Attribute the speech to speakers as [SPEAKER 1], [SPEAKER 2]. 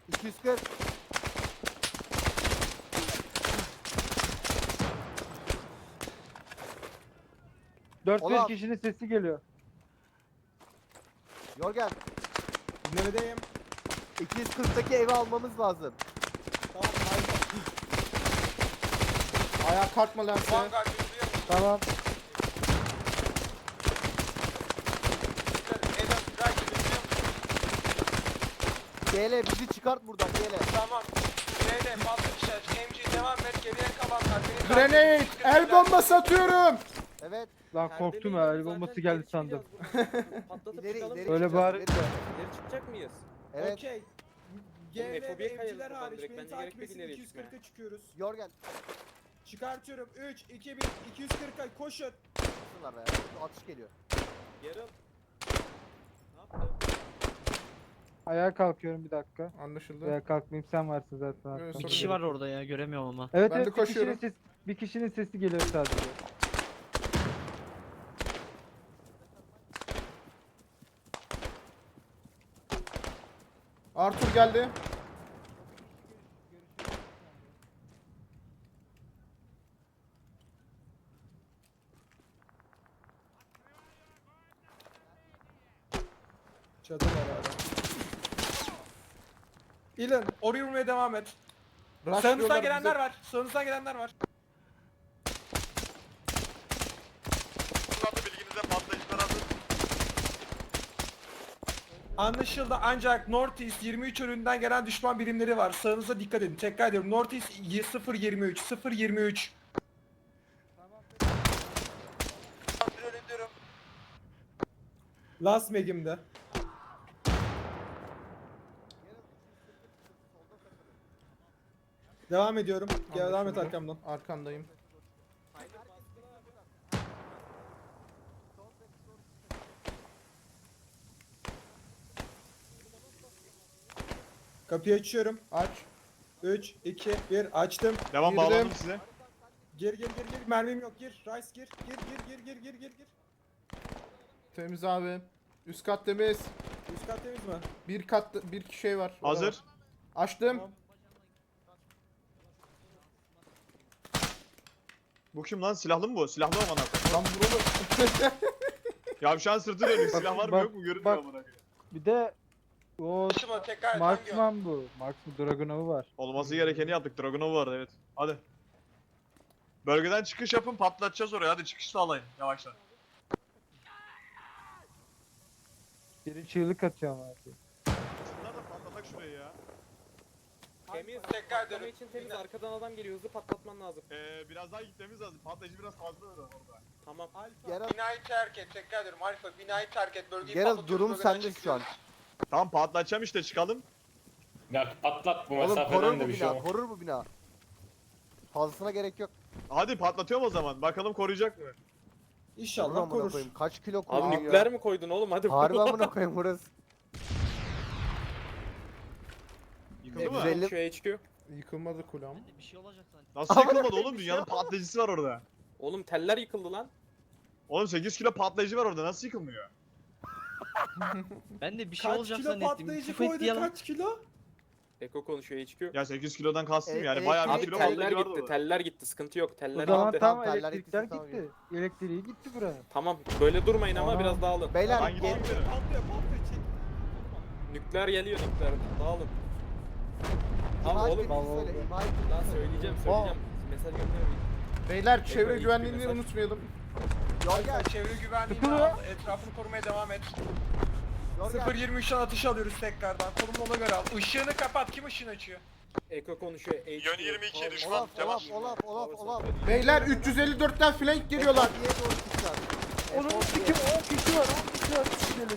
[SPEAKER 1] 240.
[SPEAKER 2] Dört
[SPEAKER 1] Ulan.
[SPEAKER 2] beş kişinin sesi geliyor.
[SPEAKER 1] Yorgen.
[SPEAKER 3] Neredeyim?
[SPEAKER 1] 240'taki evi almamız lazım.
[SPEAKER 3] Tamam haydi.
[SPEAKER 4] Ayağa kalkma lan sen.
[SPEAKER 5] Vanguard yürüyor musun?
[SPEAKER 2] Tamam.
[SPEAKER 5] Eden Strike yürüyor musun?
[SPEAKER 1] GL bizi çıkart buradan GL.
[SPEAKER 5] Tamam. B'de fazla işaret. MG devam et. Geriye kalanlar. Beni
[SPEAKER 4] Grenade! El bombası atıyorum!
[SPEAKER 1] Evet.
[SPEAKER 2] Lan korktum ya. El bombası geldi sandım.
[SPEAKER 6] Patlatıp
[SPEAKER 1] İleri
[SPEAKER 6] çıkalım.
[SPEAKER 1] ileri.
[SPEAKER 2] Öyle
[SPEAKER 1] çıkacağız,
[SPEAKER 2] bari-
[SPEAKER 1] ileri.
[SPEAKER 6] İleri çıkacak mıyız?
[SPEAKER 1] Evet.
[SPEAKER 3] Okey. GV
[SPEAKER 6] Oğlum,
[SPEAKER 3] ve
[SPEAKER 6] Efobi'ye kayalım
[SPEAKER 3] evciler
[SPEAKER 6] buradan
[SPEAKER 3] hariç
[SPEAKER 6] direkt.
[SPEAKER 3] beni
[SPEAKER 6] Bence
[SPEAKER 3] takip
[SPEAKER 6] gerek yok
[SPEAKER 3] etsin.
[SPEAKER 6] ileri
[SPEAKER 3] 240'a çıkıyoruz.
[SPEAKER 1] Yorgen.
[SPEAKER 3] Çıkartıyorum. 3, 2, 1. 240'a koşun.
[SPEAKER 1] Şunlar be. Atış geliyor.
[SPEAKER 6] Yarım. Ne yaptın?
[SPEAKER 2] Ayağa kalkıyorum bir dakika.
[SPEAKER 4] Anlaşıldı.
[SPEAKER 2] Veya kalkmayayım sen varsın zaten.
[SPEAKER 4] Evet,
[SPEAKER 2] arkamda.
[SPEAKER 4] sorun
[SPEAKER 7] Bir kişi var orada ya göremiyorum ama.
[SPEAKER 2] Evet
[SPEAKER 4] Ben de
[SPEAKER 2] evet
[SPEAKER 4] koşuyorum.
[SPEAKER 2] bir kişinin sesi geliyor sadece.
[SPEAKER 4] Arthur geldi.
[SPEAKER 3] Çadır var hala. İlan oraya vurmaya devam et. Sağınızdan
[SPEAKER 4] Rushlıyorlar
[SPEAKER 3] gelenler
[SPEAKER 4] bize.
[SPEAKER 3] var. Sağınızdan gelenler var.
[SPEAKER 5] Kullandı bilginize patlayıcılar hazır.
[SPEAKER 3] Anlaşıldı ancak Northeast 23 yönünden gelen düşman birimleri var. Sağınıza dikkat edin. Tekrar ediyorum. Northeast 023 023.
[SPEAKER 5] Kontrol ediyorum.
[SPEAKER 3] Last Meg'imde. Devam ediyorum. Gel devam et
[SPEAKER 4] Anlaşıldı.
[SPEAKER 3] arkamdan.
[SPEAKER 4] Arkandayım.
[SPEAKER 3] Kapıyı açıyorum.
[SPEAKER 4] Aç.
[SPEAKER 3] 3, 2, 1 açtım.
[SPEAKER 5] Devam
[SPEAKER 4] Girdim.
[SPEAKER 5] bağladım size.
[SPEAKER 3] Gir. Mermim yok. Gir. Rice gir. Gir.
[SPEAKER 4] Temiz abi. Üst kat temiz.
[SPEAKER 3] Üst kat temiz mi?
[SPEAKER 4] Bir kat bir şey var. O da
[SPEAKER 5] Hazır.
[SPEAKER 4] var. Açtım.
[SPEAKER 3] Tamam.
[SPEAKER 5] Bu kim lan? Silahlı mı bu? Silahlı mı bana?
[SPEAKER 4] Lan vurulur.
[SPEAKER 5] Ya şu an sırtı dönük. Silah var mı
[SPEAKER 2] bak,
[SPEAKER 5] yok mu? Görünmüyor
[SPEAKER 2] bak.
[SPEAKER 5] amına koyayım.
[SPEAKER 2] Bir de o
[SPEAKER 5] Şuna tekrar
[SPEAKER 2] Marksman bu. Marksman Dragunov'u var.
[SPEAKER 5] Olması gerekeni yaptık. Dragunov vardı evet. Hadi. Bölgeden çıkış yapın, patlatacağız oraya. Hadi çıkış sağlayın yavaştan.
[SPEAKER 2] Biri çığlık atıyor ama.
[SPEAKER 5] Şunlar da patlatak şurayı ya.
[SPEAKER 6] Temiz.
[SPEAKER 5] Tekrar
[SPEAKER 6] Patlama
[SPEAKER 5] dönün.
[SPEAKER 6] için temiz. Arkadan adam geliyor. Hızlı patlatman lazım.
[SPEAKER 5] Biraz daha gitmemiz lazım. Patlayıcı biraz fazla orada.
[SPEAKER 6] Tamam.
[SPEAKER 1] Geralt,
[SPEAKER 5] Binayı terk et. Tekrar ediyorum. Alfa binayı terk et. Bölgeyi
[SPEAKER 1] Geralt durum sende şu an.
[SPEAKER 5] Tamam patlatacağım işte çıkalım.
[SPEAKER 8] Ya patlat bu
[SPEAKER 1] Oğlum korur
[SPEAKER 8] mesafeden de
[SPEAKER 1] bu
[SPEAKER 8] bir şey
[SPEAKER 1] bina.
[SPEAKER 8] olmaz.
[SPEAKER 1] Korur bu bina. Fazlasına gerek yok.
[SPEAKER 5] Hadi patlatıyorum o zaman. Bakalım koruyacak mı?
[SPEAKER 1] Korur
[SPEAKER 3] İnşallah
[SPEAKER 1] amına
[SPEAKER 3] korur.
[SPEAKER 1] koyayım. Kaç kilo
[SPEAKER 6] Abi
[SPEAKER 1] koruyor
[SPEAKER 6] nükleer
[SPEAKER 1] ya?
[SPEAKER 6] mi koydun oğlum? Hadi.
[SPEAKER 1] Harbi amına koyayım burası.
[SPEAKER 5] Yıkıldı mı?
[SPEAKER 1] 150
[SPEAKER 6] Şu HQ.
[SPEAKER 4] Yıkılmadı kulağım.
[SPEAKER 7] Bir şey olacak sanki.
[SPEAKER 5] Nasıl yıkılmadı oğlum? Dünyanın patlayıcısı var orada.
[SPEAKER 6] Oğlum teller yıkıldı lan.
[SPEAKER 5] Oğlum 8 kilo patlayıcı var orada. Nasıl yıkılmıyor?
[SPEAKER 7] Ben de bir şey
[SPEAKER 3] Kaç
[SPEAKER 7] olacak
[SPEAKER 3] kilo
[SPEAKER 7] zannettim.
[SPEAKER 3] patlayıcı
[SPEAKER 7] Tüfek
[SPEAKER 3] koydu?
[SPEAKER 7] yalan.
[SPEAKER 3] Kaç kilo?
[SPEAKER 6] Eko konuşuyor HQ.
[SPEAKER 5] Ya 8 kilodan kastım yani.
[SPEAKER 1] E,
[SPEAKER 5] Bayağı bir
[SPEAKER 6] Abi
[SPEAKER 5] kilo
[SPEAKER 6] teller
[SPEAKER 5] patlayıcı vardı
[SPEAKER 6] gitti.
[SPEAKER 5] orada.
[SPEAKER 6] Teller gitti. Sıkıntı yok.
[SPEAKER 2] O
[SPEAKER 6] Teller
[SPEAKER 2] zaman
[SPEAKER 6] gitti.
[SPEAKER 2] tamam
[SPEAKER 1] Tamam,
[SPEAKER 2] elektrikler
[SPEAKER 1] tamam,
[SPEAKER 2] gitti. Elektriği gitti buraya.
[SPEAKER 6] Tamam. Böyle durmayın ama
[SPEAKER 2] Tamam.
[SPEAKER 6] biraz dağılın.
[SPEAKER 1] Beyler
[SPEAKER 5] Ben gidiyorum.
[SPEAKER 1] gel.
[SPEAKER 3] Patlıyor. Çek.
[SPEAKER 6] Nükleer geliyor nükleer. Dağılın. Tamam
[SPEAKER 1] İmha
[SPEAKER 6] oğlum.
[SPEAKER 1] ettiğinizi söyle. İmha ettiğinizi
[SPEAKER 6] Lan
[SPEAKER 1] söyle.
[SPEAKER 6] söyleyeceğim. Mesaj göndermeyin.
[SPEAKER 4] Beyler çevre
[SPEAKER 6] ilk
[SPEAKER 4] güvenliğini
[SPEAKER 6] mesaj.
[SPEAKER 4] unutmayalım.
[SPEAKER 1] Yorgen.
[SPEAKER 3] Çevre güvenliğini
[SPEAKER 2] Sıkılıyor.
[SPEAKER 3] al. Etrafını korumaya devam et.
[SPEAKER 1] Yorgen.
[SPEAKER 3] 0.23'ten atış alıyoruz tekrardan. Konumunu ona göre al. Işığını kapat. Kim ışığını açıyor?
[SPEAKER 6] Eko konuşuyor. HQ.
[SPEAKER 5] Yön 22 düşman.
[SPEAKER 1] Olaf.
[SPEAKER 4] Beyler 354'ten flank geliyorlar.
[SPEAKER 1] Diye doğru çıkacağız.
[SPEAKER 2] Onun 10 kişi var. 10 kişi var.